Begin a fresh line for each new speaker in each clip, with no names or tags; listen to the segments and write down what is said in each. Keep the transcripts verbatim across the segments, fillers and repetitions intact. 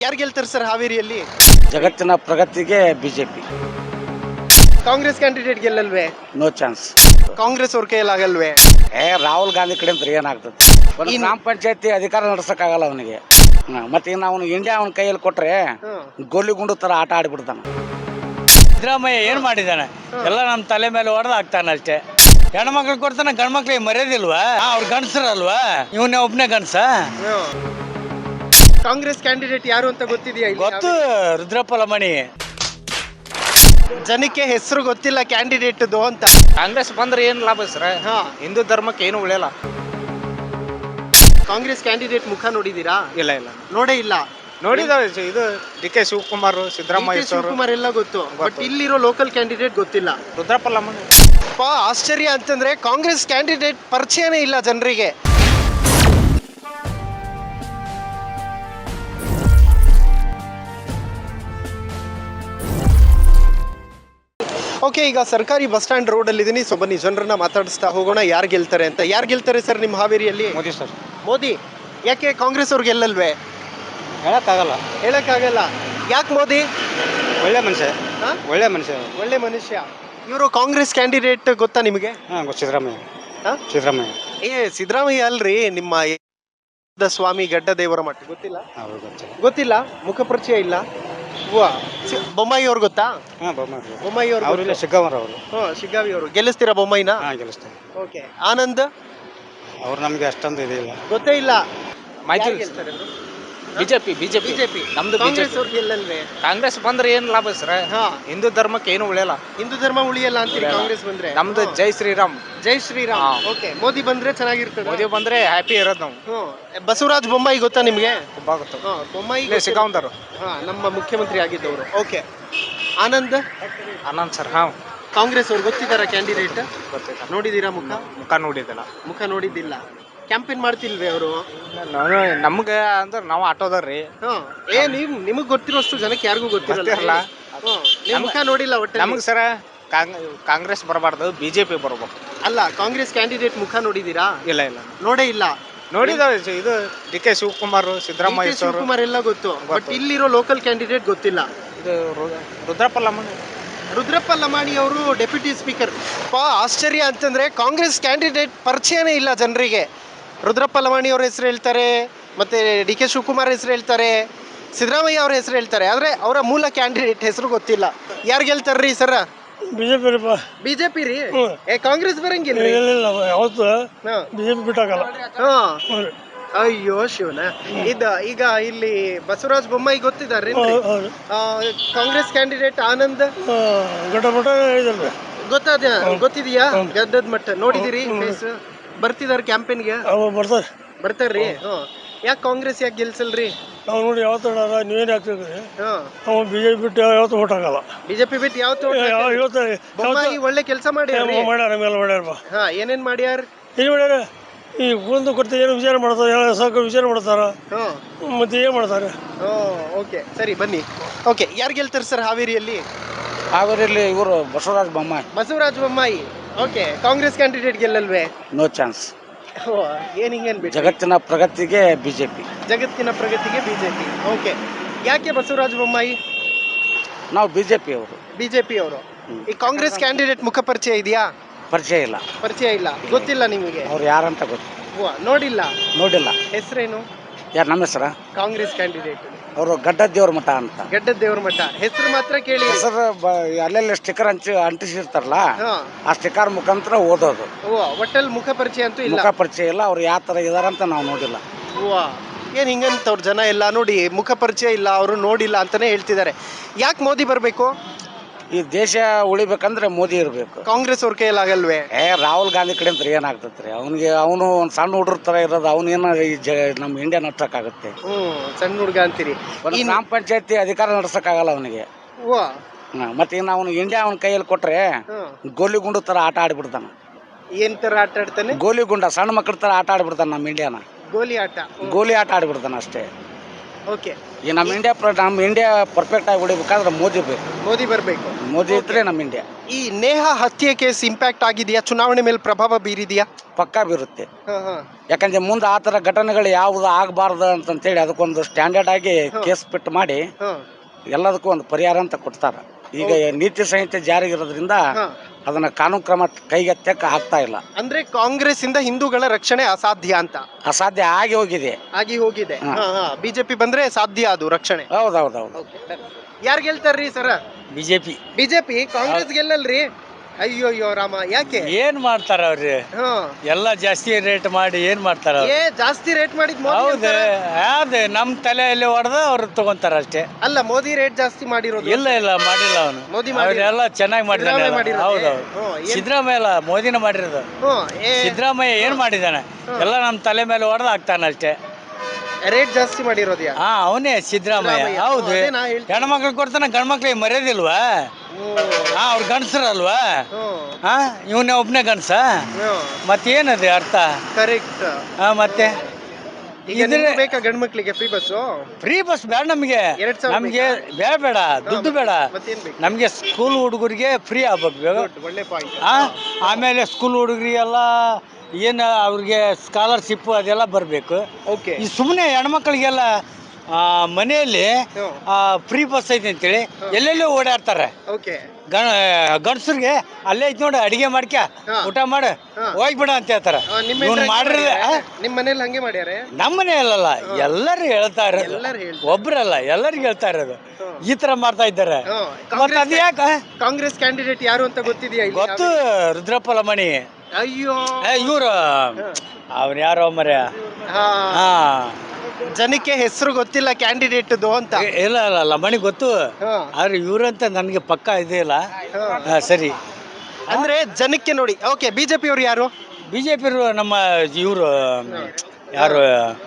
ಯಾರು ಗೆಲ್ತಾರೆ ಸರ್ ಹಾವೇರಿಯಲ್ಲಿ?
ಜಗತ್ತಿನ ಪ್ರಗತಿಗೆ ಬಿಜೆಪಿ.
ಕಾಂಗ್ರೆಸ್ ಕ್ಯಾಂಡಿಡೇಟ್ ಗೆಲ್ಲಲ್ವೇ?
No chance.
ಕಾಂಗ್ರೆಸ್ ಅವ್ರ ಕೈಯಲ್ಲಾಗಲ್ವೇ?
ಏ ರಾಹುಲ್ ಗಾಂಧಿ ಕಡೆ ಅಂತ ಏನಾಗ್ತದೆ? ಒಂದು ಗ್ರಾಮ ಪಂಚಾಯತಿ ಅಧಿಕಾರ ನಡೆಸಕ್ಕಾಗಲ್ಲ ಅವನಿಗೆ. ಮತ್ತೆ ಇನ್ನು ಅವನು ಇಂಡಿಯಾ ಅವನ ಕೈಯಲ್ಲಿ ಕೊಟ್ರೆ ಗೋಲಿ ಗುಂಡು ತರ ಆಟ ಆಡಿಬಿಡ್ತಾನೆ.
ಸಿದ್ದರಾಮಯ್ಯ ಏನು ಮಾಡಿದ್ದಾನೆ? ಎಲ್ಲ ನಮ್ಮ ತಲೆ ಮೇಲೆ ಹೊಡೆದು ಹಾಕ್ತಾನೆ ಅಷ್ಟೇ. ಹೆಣ್ಮಕ್ಳು ಕೊಡ್ತಾನೆ, ಗಂಡು ಮಕ್ಳಿಗೆ ಮರ್ಯಾದಿಲ್ವಾ? ಅವ್ರು ಗಂಡಸರಲ್ವಾ? ಇವನೇ ಒಬ್ಬನೇ ಗಂಡಸ.
ಕಾಂಗ್ರೆಸ್ ಕ್ಯಾಂಡಿಡೇಟ್ ಯಾರು ಅಂತ ಗೊತ್ತಿದೆಯಾ?
ಗೊತ್ತು, ರುದ್ರಪ್ಪ ಲಮಣಿ.
ಜನಕ್ಕೆ ಹೆಸರು ಗೊತ್ತಿಲ್ಲ ಕ್ಯಾಂಡಿಡೇಟ್ ಅಂತ.
ಕಾಂಗ್ರೆಸ್ ಬಂದ್ರೆ ಏನು ಲಾಭ ಸರ್?
ಹಾ,
ಹಿಂದೂ ಧರ್ಮಕ್ಕೆ ಏನು ಉಳಿಯಲ್ಲ.
ಕಾಂಗ್ರೆಸ್ ಕ್ಯಾಂಡಿಡೇಟ್ ಮುಖ ನೋಡಿದೀರಾ?
ಇಲ್ಲ ಇಲ್ಲ
ನೋಡೇ ಇಲ್ಲ.
ನೋಡಿದಾವೆ. ಇದು D K Shivakumar,
D K
Siddaramaiah sir,
Shivakumar ಎಲ್ಲ ಗೊತ್ತು, ಬಟ್ ಇಲ್ಲಿರೋ ಲೋಕಲ್ ಕ್ಯಾಂಡಿಡೇಟ್ ಗೊತ್ತಿಲ್ಲ.
ರುದ್ರಪ್ಪ ಲಮಣಿ.
ಅಪ್ಪ, ಆಶ್ಚರ್ಯ ಅಂತಂದ್ರೆ ಕಾಂಗ್ರೆಸ್ ಕ್ಯಾಂಡಿಡೇಟ್ ಪರಿಚಯನೇ ಇಲ್ಲ ಜನರಿಗೆ. ಓಕೆ, ಈಗ ಸರ್ಕಾರಿ ಬಸ್ ಸ್ಟ್ಯಾಂಡ್ ರೋಡ್ ಅಲ್ಲಿ ಇದೀನಿ. ಸೊ ಬನ್ನಿ ಜನರನ್ನ ಮಾತಾಡಿಸ್ತಾ ಹೋಗೋಣ, ಯಾರು ಗೆಲ್ತಾರೆ ಅಂತ. ಯಾರು ಗೆಲ್ತಾರೆ ಸರ್ ನಿಮ್ಮ ಹಾವೇರಿಯಲ್ಲಿ?
ಮೋದಿ ಸರ್.
ಮೋದಿ. ಯಾಕೆ ಕಾಂಗ್ರೆಸ್ ಅವ್ರು ಗೆಲ್ಲಲ್ವೇ?
ಹೇಳಕ್ಕಾಗಲ್ಲ.
ಹೇಳಕ್ಕಾಗಲ್ಲ. ಯಾಕೆ ಮೋದಿ?
ಒಳ್ಳೆ ಮನುಷ್ಯ.
ಹಾ?
ಒಳ್ಳೆ ಮನುಷ್ಯ.
ಒಳ್ಳೆ ಮನುಷ್ಯ. ಇವರು ಕಾಂಗ್ರೆಸ್ ಕ್ಯಾಂಡಿಡೇಟ್ ಗೊತ್ತಾ ನಿಮಗೆ?
ಹಾಂ ಗೊತ್ತು. ಸಿದ್ದರಾಮಯ್ಯ.
ಹಾ?
ಸಿದ್ದರಾಮಯ್ಯ.
ಏ ಸಿದ್ದರಾಮಯ್ಯ ಅಲ್ರಿ, ನಿಮ್ಮ ದ ಸ್ವಾಮಿ ಗಡ್ಡ ದೇವರ ಮಠ ಗೊತ್ತಿಲ್ಲ?
ಅವ್ರು ಗೊತ್ತಿಲ್ಲ.
ಗೊತ್ತಿಲ್ಲ, ಮುಖ ಪರಿಚಯ ಇಲ್ಲ. ವಾ, ಸಿ- ಬೊಮ್ಮಾಯಿ ಅವ್ರು ಗೊತ್ತಾ?
ಹಾಂ ಬೊಮ್ಮಾಯಿ.
ಬೊಮ್ಮಾಯಿ
ಅವರು
ಅವ್ರು
ಇಲ್ಲ, ಶಿಗ್ಗಾವರ್ ಅವರು.
ಹಾ, ಶಿಗ್ಗಾವಿ ಅವರು. ಗೆಲ್ಲಿಸ್ತೀರಾ ಬೊಮ್ಮಾಯಿನ?
ಹಾಂ ಗೆಲ್ಲಿಸ್ತಾರೆ.
ಓಕೆ. ಆನಂದ್
ಅವ್ರು ನಮಗೆ ಅಷ್ಟೊಂದು ಇದಿಲ್ಲ.
ಗೊತ್ತೇ ಇಲ್ಲ.
ಮಾಹಿತಿ
ಯಾರು
ಇಲ್ಲ.
ಗೆಲ್ತಾರೆ ಅವರು?
BJP BJP
BJP.
ನಮ್ದು
ಕಾಂಗ್ರೆಸ್
ಬಿಜೆಪಿ.
ಅವ್ರು ಗೆಲ್ಲಲ್ವೇ?
ಕಾಂಗ್ರೆಸ್ ಬಂದ್ರೆ ಏನು ಲಾಭ ಸರ್?
ಹಾ,
ಹಿಂದೂ ಧರ್ಮಕ್ಕೆ ಏನು ಉಳಿಯಲ್ಲ.
ಹಿಂದೂ ಧರ್ಮ ಉಳಿಯಲ್ಲ ಅಂತೀರಿ
ಉಳಿಯಲ್ಲ.
ಕಾಂಗ್ರೆಸ್ ಬಂದ್ರೆ?
ನಮ್ದು
ಹಾ.
ಜೈ ಶ್ರೀರಾಮ್.
ಜೈ ಶ್ರೀರಾಮ್.
ಹಾ.
ಓಕೆ, ಮೋದಿ ಬಂದ್ರೆ ಚೆನ್ನಾಗಿರ್ತದೆ.
ಮೋದಿ ಬಂದ್ರೆ ಹ್ಯಾಪಿ ಇರೋದು ನಾವು.
ಹ್ಮ್. ಬಸವರಾಜ ಬೊಮ್ಮಾಯಿ ಗೊತ್ತಾ ನಿಮ್ಗೆ?
ತುಂಬಾ ಗೊತ್ತು.
ಹಾ, ಬೊಮ್ಮಾಯಿ
ಇಲ್ಲೇ ಸಿಗಾವಂದರು.
ಹಾ, ನಮ್ಮ ಮುಖ್ಯಮಂತ್ರಿ ಆಗಿದ್ದವರು. ಓಕೆ. ಆನಂದ್
ಆನಂದ್ ಸರ್. ಹಾಂ
ಕಾಂಗ್ರೆಸ್ ಅವ್ರು ಗೊತ್ತಿದಾರ ಕ್ಯಾಂಡಿಡೇಟ್?
ಗೊತ್ತಿಲ್ಲ.
ನೋಡಿದೀರಾ ಮುಖ?
ಮುಖ ನೋಡಿದ್ದಲ್ಲ.
ಮುಖ ನೋಡಿದ್ದಿಲ್ಲ. ಕ್ಯಾಂಪೇನ್ ಮಾಡ್ತಿಲ್ವೇ ಅವರು?
ನಮ್ಗೆ ಅಂದ್ರೆ ನಾವು ಆಟೋದವ್ರಿ.
ಹಾ. ಏ ನೀವ್ ನಿಮಗ್ ಗೊತ್ತಿರೋಷ್ಟು ಜನಕ್ಕೆ ಯಾರಿಗೂ ಗೊತ್ತಿರಲ್ಲ.
ಗೊತ್ತಿರಲ್ಲ.
ಹ್ಮ್. ನಿಮ್ ಮುಖ ನೋಡಿಲ್ಲ ಒಟ್ಟಲ್ಲಿ.
ನಮ್ಗೆ ಸರ ಕಾಂಗ್ರೆಸ್ ಬರಬಾರ್ದು, ಬಿಜೆಪಿ ಬರಬೇಕು.
ಅಲ್ಲ, ಕಾಂಗ್ರೆಸ್ ಕ್ಯಾಂಡಿಡೇಟ್ ಮುಖ ನೋಡಿದೀರಾ?
ಇಲ್ಲ ಇಲ್ಲ
ನೋಡೇ ಇಲ್ಲ.
ನೋಡಿದಾವೆ. ಇದು D K Shivakumar,
D K
Siddaramaiah sir,
Shivakumar ಎಲ್ಲ ಗೊತ್ತು, ಬಟ್ ಇಲ್ಲಿರೋ ಲೋಕಲ್ ಕ್ಯಾಂಡಿಡೇಟ್ ಗೊತ್ತಿಲ್ಲ.
ಇದು ರು- ರುದ್ರಪ್ಪ ಲಮಣಿ.
ರುದ್ರಪ್ಪ ಲಮಾಣಿ ಅವರು ಡೆಪ್ಯೂಟಿ ಸ್ಪೀಕರ್. ಅಪ್ಪ, ಆಶ್ಚರ್ಯ ಅಂತಂದ್ರೆ ಕಾಂಗ್ರೆಸ್ ಕ್ಯಾಂಡಿಡೇಟ್ ಪರಿಚಯನೇ ಇಲ್ಲ ಜನರಿಗೆ. ರುದ್ರಪ್ಪ ಲಮಾಣಿ ಅವ್ರ ಹೆಸರು ಹೇಳ್ತಾರೆ, ಮತ್ತೆ ಡಿ ಕೆ ಶಿವಕುಮಾರ್ ಹೆಸರು ಹೇಳ್ತಾರೆ, ಸಿದ್ದರಾಮಯ್ಯ ಅವ್ರ ಹೆಸರು ಹೇಳ್ತಾರೆ, ಆದ್ರೆ ಅವರ ಮೂಲ ಕ್ಯಾಂಡಿಡೇಟ್ ಹೆಸರು ಗೊತ್ತಿಲ್ಲ. ಯಾರು ಗೆಲ್ತಾರ್ರಿ ಸರ?
ಬಿಜೆಪಿ
ಬಿಜೆಪಿ ರೀ? ಏ ಕಾಂಗ್ರೆಸ್ ಬರಂಗಿಲ್ಲ.
ಯಾವತ್ತು ಬಿಜೆಪಿ ಬಿಟ್ಟಾಗಲ್ಲ.
ಹಾ. ಅಯ್ಯೋ ಶಿವನ. ಇದ ಈಗ ಇಲ್ಲಿ ಬಸವರಾಜ ಬೊಮ್ಮಾಯಿ ಗೊತ್ತಿದಾರ್ರಿ? ಕಾಂಗ್ರೆಸ್ ಕ್ಯಾಂಡಿಡೇಟ್ ಆನಂದ್
ಗಡ್ಡ ಇದಲ್ರಿ
ಗೊತ್ತಾದ ಗೊತ್ತಿದೆಯಾ? ಗದ್ದದ ಮಟ್ಟ ನೋಡಿದಿರಿ ಫೇಸ್? ಬರ್ತಿದಾರ ಕ್ಯಾಂಪೇನ್ಗೆ?
ಬರ್ತಾರೆ
ಬರ್ತಾರ್ರಿ? ಹ್ಮ್. ಯಾಕೆ ಕಾಂಗ್ರೆಸ್ ಯಾಕೆ ಗೆಲ್ಸಲ್ರಿ?
ನಾವು ನೋಡಿ ಯಾವತ್ತು ನೀವೇನು ಹಾಕ್ತಿದ್ರಿ
ಹಾ.
ನಾವು ಬಿಜೆಪಿ ಬಿಟ್ಟು ಯಾವತ್ತು ಓಟ್ ಹಾಕಲ್ಲ.
ಬಿಜೆಪಿ ಬಿಟ್ಟು ಯಾವತ್ತು
ಇವತ್ತು
ಬೊಮ್ಮಾಯಿ ಒಳ್ಳೆ ಕೆಲಸ ಮಾಡ್ಯಾರ್ರಿ.
ಮಾಡ್ಯಾರ ನಮ್ಮೆಲ್ಲ ಮಾಡ್ಯಾರಪ್ಪ.
ಹಾ, ಏನೇನ್ ಮಾಡ್ಯಾರ?
ಏನು ಮಾಡ್ಯಾರ? ಈ ಒಂದು ಕೊಡ್ತಾ ಏನು ವಿಚಾರ ಮಾಡ್ತಾರೆ, ಎಲ್ಲ ಸಾಕು ವಿಚಾರ ಮಾಡ್ತಾರ.
ಹ್ಮ್.
ಮತ್ತೆ ಏನು ಮಾಡ್ತಾರೆ?
ಓಕೆ, ಸರಿ ಬನ್ನಿ. ಓಕೆ, ಯಾರು ಗೆಲ್ತಾರೆ ಸರ್ ಹಾವೇರಿಯಲ್ಲಿ?
ಹಾವೇರಿಯಲ್ಲಿ ಇವರು ಬಸವರಾಜ ಬೊಮ್ಮಾಯಿ.
ಬಸವರಾಜ ಬೊಮ್ಮಾಯಿ. ಓಕೆ. ಕಾಂಗ್ರೆಸ್ ಕ್ಯಾಂಡಿಡೇಟ್ ಗೆಲ್ಲಲ್ವೇ?
No chance.
ಓ, ಏನ್ ಹಿಂಗೇನ್ ಬಿಟ್ಟು?
ಜಗತ್ತಿನ ಪ್ರಗತಿಗೆ ಬಿಜೆಪಿ.
ಜಗತ್ತಿನ ಪ್ರಗತಿಗೆ ಬಿಜೆಪಿ. ಓಕೆ. ಯಾಕೆ ಬಸವರಾಜ ಬೊಮ್ಮಾಯಿ?
ನಾವು ಬಿಜೆಪಿ ಅವರು.
ಬಿಜೆಪಿ ಅವರು. ಈ ಕಾಂಗ್ರೆಸ್ ಕ್ಯಾಂಡಿಡೇಟ್ ಮುಖ ಪರಿಚಯ ಇದೆಯಾ?
ಪರಿಚಯ ಇಲ್ಲ.
ಪರಿಚಯ ಇಲ್ಲ, ಗೊತ್ತಿಲ್ಲ ನಿಮಗೆ?
ಅವ್ರು ಯಾರಂತ ಗೊತ್ತು?
ಓ, ನೋಡಿಲ್ಲ.
ನೋಡಿಲ್ಲ.
ಹೆಸರೇನು?
ಯಾರು ನಮ್ಮ ಹೆಸರ?
ಕಾಂಗ್ರೆಸ್ ಕ್ಯಾಂಡಿಡೇಟ್
ಅವರು ಗಡ್ಡ ದೇವ್ರ ಮಠ ಅಂತ.
ಗಡ್ಡ ದೇವ್ರ ಮಠ. ಹೆಸರು ಮಾತ್ರ ಕೇಳಿ.
ಹೆಸರು ಅಲ್ಲೆಲ್ಲ ಸ್ಟಿಕ್ಕರ್ ಹಂಚಿ ಅಂಟಿಸಿರ್ತಾರಲ್ಲ,
ಹಾ.
ಆ ಸ್ಟಿಕ್ಕರ್ ಮುಖಾಂತರ ಓದೋದು.
ಓ, ಒಟ್ಟಲ್ ಮುಖ ಪರಿಚಯ ಅಂತೂ ಇಲ್ಲ.
ಮುಖ ಪರಿಚಯ ಇಲ್ಲ. ಅವ್ರು ಯಾವ ತರ ಇದಾರಂತ ನಾವು ನೋಡಿಲ್ಲ.
ಓ, ಏನ್ ಹಿಂಗಂತ ಅವ್ರ ಜನ ಎಲ್ಲ ನೋಡಿ ಮುಖ ಪರಿಚಯ ಇಲ್ಲ, ಅವರು ನೋಡಿಲ್ಲ ಅಂತಾನೆ ಹೇಳ್ತಿದ್ದಾರೆ. ಯಾಕೆ ಮೋದಿ ಬರ್ಬೇಕು?
ಈ ದೇಶ ಉಳಿಬೇಕಂದ್ರೆ ಮೋದಿ ಇರಬೇಕು.
ಕಾಂಗ್ರೆಸ್ ಅವ್ರ ಕೈಯಲ್ಲಾಗಲ್ವೇ?
ಏ ರಾಹುಲ್ ಗಾಂಧಿ ಕಡೆ ಅಂತ ಏನಾಗ್ತತ್ರಿ? ಅವನಿಗೆ ಅವನು ಒಂದು ಸಣ್ಣ ಹುಡುಗ್ರ ತರ ಇರೋದು, ಅವನೇನ ಈ ಜ ನಮ್ಮ ಇಂಡಿಯಾ ನಡ್ಸಕ್ಕಾಗತ್ತೆ?
ಹ್ಮ್. ಸಣ್ಣ ಹುಡುಗ ಅಂತೀರಿ.
ಒಂದು ಗ್ರಾಮ ಪಂಚಾಯತಿ ಅಧಿಕಾರ ನಡೆಸಕ್ಕಾಗಲ್ಲ ಅವನಿಗೆ.
ಓ.
ಮತ್ತೆ ಇನ್ನು ಅವನು ಇಂಡಿಯಾ ಅವನ ಕೈಯಲ್ಲಿ ಕೊಟ್ರೆ ಗೋಲಿ ಗುಂಡು ತರ ಆಟ ಆಡಿಬಿಡ್ತಾನ.
ಏನ್ ತರ ಆಟ ಆಡ್ತಾನೆ?
ಗೋಲಿ ಗುಂಡ ಸಣ್ಣ ಮಕ್ಕಳ ತರ ಆಟ ಆಡ್ಬಿಡ್ತಾನೆ ನಮ್ಮ ಇಂಡಿಯಾನ.
ಗೋಲಿ ಆಟ.
ಗೋಲಿ ಆಟ ಆಡ್ಬಿಡ್ತಾನ ಅಷ್ಟೇ.
ಓಕೆ.
ಈ ನಮ್ಮ ಇಂಡಿಯಾ ಪ್ರ ನಮ್ಮ ಇಂಡಿಯಾ ಪರ್ಫೆಕ್ಟ್ ಆಗಿ ಉಳಿಬೇಕಾದ್ರೆ ಮೋದಿ ಬೇಕು.
ಮೋದಿ ಬರಬೇಕು.
ಮೋದಿ ಇದ್ರೆ ನಮ್ಮ ಇಂಡಿಯಾ.
ಈ ನೇಹಾ ಹತ್ಯೆ ಕೇಸ್ ಇಂಪ್ಯಾಕ್ಟ್ ಆಗಿದೆಯಾ, ಚುನಾವಣೆ ಮೇಲೆ ಪ್ರಭಾವ ಬೀರಿದೆಯಾ?
ಪಕ್ಕಾ ಬೀರುತ್ತೆ. ಯಾಕಂದ್ರೆ ಮುಂದೆ ಆ ಥರ ಘಟನೆಗಳು ಯಾವುದು ಆಗಬಾರ್ದು ಅಂತಂತೇಳಿ ಅದಕ್ಕೊಂದು ಸ್ಟ್ಯಾಂಡರ್ಡ್ ಆಗಿ ಕೇಸ್ ಬಿಟ್ಟು ಮಾಡಿ ಎಲ್ಲದಕ್ಕೂ ಒಂದು ಪರಿಹಾರ ಅಂತ ಕೊಡ್ತಾರ. ಈಗ ನೀತಿ ಸಂಹಿತೆ ಜಾರಿಗಿರೋದ್ರಿಂದ ಅದನ್ನ ಕಾನೂನು ಕ್ರಮ ಕೈಗೆತ್ತಕ್ಕೆ ಆಗ್ತಾ ಇಲ್ಲ.
ಅಂದ್ರೆ ಕಾಂಗ್ರೆಸ್ ಇಂದ ಹಿಂದೂಗಳ ರಕ್ಷಣೆ ಅಸಾಧ್ಯ ಅಂತ.
ಅಸಾಧ್ಯ ಆಗಿ ಹೋಗಿದೆ.
ಆಗಿ ಹೋಗಿದೆ. ಬಿಜೆಪಿ ಬಂದ್ರೆ ಸಾಧ್ಯ ಅದು ರಕ್ಷಣೆ.
ಹೌದೌದೌದು.
ಯಾರು ಗೆಲ್ತಾರ್ರಿ ಸರ?
ಬಿಜೆಪಿ.
ಬಿಜೆಪಿ. ಕಾಂಗ್ರೆಸ್ ಗೆಲ್ಲಲ್ರಿ? ಅಯ್ಯೋ ಅಯ್ಯೋ ರಾಮ, ಯಾಕೆ?
ಏನ್ ಮಾಡ್ತಾರ ಅವ್ರಿ? ಎಲ್ಲ ಜಾಸ್ತಿ ರೇಟ್ ಮಾಡಿ ಏನ್ ಮಾಡ್ತಾರ?
ಏ ಜಾಸ್ತಿ ರೇಟ್ ಮಾಡಿದ್ ಮೋದಿ
ಹೌದು, ಯಾವ್ದು ನಮ್ ತಲೆಯಲ್ಲಿ ಹೊಡೆದ ಅವ್ರು ತಗೊಂತಾರ ಅಷ್ಟೇ.
ಅಲ್ಲ, ಮೋದಿ ರೇಟ್ ಜಾಸ್ತಿ ಮಾಡಿರೋದು.
ಇಲ್ಲ ಇಲ್ಲ ಮಾಡಿಲ್ಲ ಅವನು.
ಮೋದಿ
ಅವರೆಲ್ಲ ಚೆನ್ನಾಗಿ ಮಾಡಿದಾನೆ.
ಮಾಡಿರೋದು.
ಹೌದೌದು. ಸಿದ್ದರಾಮಯ್ಯ ಅಲ್ಲ, ಮೋದಿನ ಮಾಡಿರೋದು. ಸಿದ್ದರಾಮಯ್ಯ ಏನ್ ಮಾಡಿದಾನೆ? ಎಲ್ಲ ನಮ್ ತಲೆ ಮೇಲೆ ಹೊಡೆದ ಹಾಕ್ತಾನ ಅಷ್ಟೇ.
ರೇಟ್ ಜಾಸ್ತಿ ಮಾಡಿರೋದು
ಹಾ ಅವನೇ ಸಿದ್ದರಾಮಯ್ಯ. ಹೌದು, ಹೆಣ್ಮಕ್ಳು ಕೊಡ್ತಾನ, ಗಂಡ್ಮಕ್ಳಿಗೆ ಮರ್ಯಾದಿಲ್ವಾ? ಹಾ, ಅವ್ರು ಗಂಡಸರಲ್ವಾ? ಹಾ, ಇವನೇ ಒಬ್ನೇ ಗಂಡಸ. ಮತ್ತೇನದು ಅರ್ಥ?
ಕರೆಕ್ಟ್.
ಹಾ, ಮತ್ತೆ
ಬೇಕಾ ಗಂಡ್ ಮಕ್ಳಿಗೆ ಫ್ರೀ ಬಸ್?
ಫ್ರೀ ಬಸ್ ಬೇಡ ನಮ್ಗೆ. ನಮ್ಗೆ ಬೇಡ ಬೇಡ ದುಡ್ಡು ಬೇಡ. ನಮ್ಗೆ ಸ್ಕೂಲ್ ಹುಡುಗರಿಗೆ ಫ್ರೀ ಆಗ್ಬೇಕು.
ಒಳ್ಳೆ ಪಾಯಿಂಟ್.
ಹಾ, ಆಮೇಲೆ ಸ್ಕೂಲ್ ಹುಡುಗರಿಗೆಲ್ಲ ಏನು ಅವ್ರಿಗೆ ಸ್ಕಾಲರ್ಶಿಪ್ ಅದೆಲ್ಲ ಬರಬೇಕು.
ಓಕೆ.
ಈ ಸುಮ್ಮನೆ ಹೆಣ್ಮಕ್ಳಿಗೆಲ್ಲ ಮನೆಯಲ್ಲಿ ಫ್ರೀ ಬಸ್ ಐತೆ ಅಂತೇಳಿ ಎಲ್ಲೆಲ್ಲೋ ಓಡಾಡ್ತಾರೆ.
ಓಕೆ.
ಗಣ ಗಂಡಸ್ರಿಗೆ ಅಲ್ಲೇ ಐತಿ ನೋಡಿ, ಅಡಿಗೆ ಮಾಡ್ಕ ಊಟ ಮಾಡ ಹೋಗ್ಬಿಡ ಅಂತ ಹೇಳ್ತಾರ. ಇವ್ನು ಮಾಡಿರ
ನಿಮ್ಮ ಮನೇಲಿ ಹಂಗೆ ಮಾಡ್ಯಾರೆ?
ನಮ್ಮ ಮನೆ ಅಲ್ಲಲ್ಲ, ಎಲ್ಲರೂ ಹೇಳ್ತಾ ಇರೋದು. ಒಬ್ರಲ್ಲ, ಎಲ್ಲರಿಗೂ ಹೇಳ್ತಾ ಇರೋದು ಈ ತರ ಮಾಡ್ತಾ ಇದ್ದಾರೆ. ಮತ್ತೆ ಅದು ಯಾಕ?
ಕಾಂಗ್ರೆಸ್ ಕ್ಯಾಂಡಿಡೇಟ್ ಯಾರು ಅಂತ ಗೊತ್ತಿದೆಯಾ?
ಗೊತ್ತು, ರುದ್ರಪ್ಪ ಲಮಾಣಿ.
ಅಯ್ಯೋ,
ಇವ್ರು ಅವ್ರು ಯಾರೋ ಮರ್ಯ. ಹಾ,
ಜನಕ್ಕೆ ಹೆಸರು ಗೊತ್ತಿಲ್ಲ ಕ್ಯಾಂಡಿಡೇಟ್ ಅಂತ.
ಇಲ್ಲ ಇಲ್ಲ, ಲಮಾಣಿ ಗೊತ್ತು, ಆದ್ರೆ ಇವ್ರಂತ ನನಗೆ ಪಕ್ಕ ಇದೇ ಇಲ್ಲ. ಸರಿ,
ಅಂದ್ರೆ ಜನಕ್ಕೆ ನೋಡಿ. ಓಕೆ. ಬಿಜೆಪಿ ಅವ್ರು ಯಾರು?
ಬಿಜೆಪಿ ನಮ್ಮ ಇವರು ಯಾರು,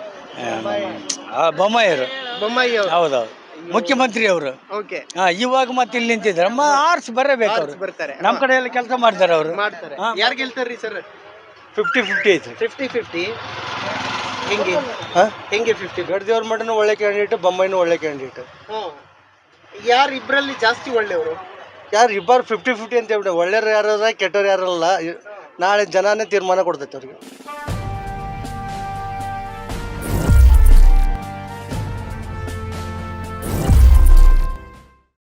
ಬೊಮ್ಮಾಯಿಯವರು.
ಬೊಮ್ಮಾಯಿ.
ಹೌದೌದು, ಮುಖ್ಯಮಂತ್ರಿ ಅವರು.
ಓಕೆ.
ಇವಾಗ ಮತ್ತೆ ಇಲ್ಲಿ ನಿಂತಿದ್ದಾರೆ. ಆರ್ಸ್ ಬರಬೇಕು ಅವ್ರು.
ಬರ್ತಾರೆ.
ನಮ್ಮ ಕಡೆ ಎಲ್ಲ ಕೆಲಸ ಮಾಡ್ತಾರೆ ಅವರು.
ಮಾಡ್ತಾರೆ. ಯಾರು ಗೆಲ್ತಾರ್ರಿ ಸರ್?
ಫಿಫ್ಟಿ ಫಿಫ್ಟಿ ಐತಿ.
ಫಿಫ್ಟಿ ಫಿಫ್ಟಿ ಹೆಂಗೆ? ಹೆಂಗೆ ಫಿಫ್ಟಿ?
ಗಡ್ದೇವ್ರ ಮಠನೂ ಒಳ್ಳೆ ಕ್ಯಾಂಡಿಡೇಟ್, ಬೊಮ್ಮಾಯಿನೂ ಒಳ್ಳೆ ಕ್ಯಾಂಡಿಡೇಟ್.
ಯಾರು ಇಬ್ಬರಲ್ಲಿ ಜಾಸ್ತಿ ಒಳ್ಳೆಯವರು?
ಯಾರು ಇಬ್ಬರು ಫಿಫ್ಟಿ ಫಿಫ್ಟಿ ಅಂತ ಹೇಳ್ಬಿಟ್ಟು, ಒಳ್ಳೆಯವ್ರು ಯಾರ ಕೆಟ್ಟವ್ರು ಯಾರಲ್ಲ. ನಾಳೆ ಜನಾನೇ ತೀರ್ಮಾನ ಕೊಡ್ತೈತೆ ಅವ್ರಿಗೆ.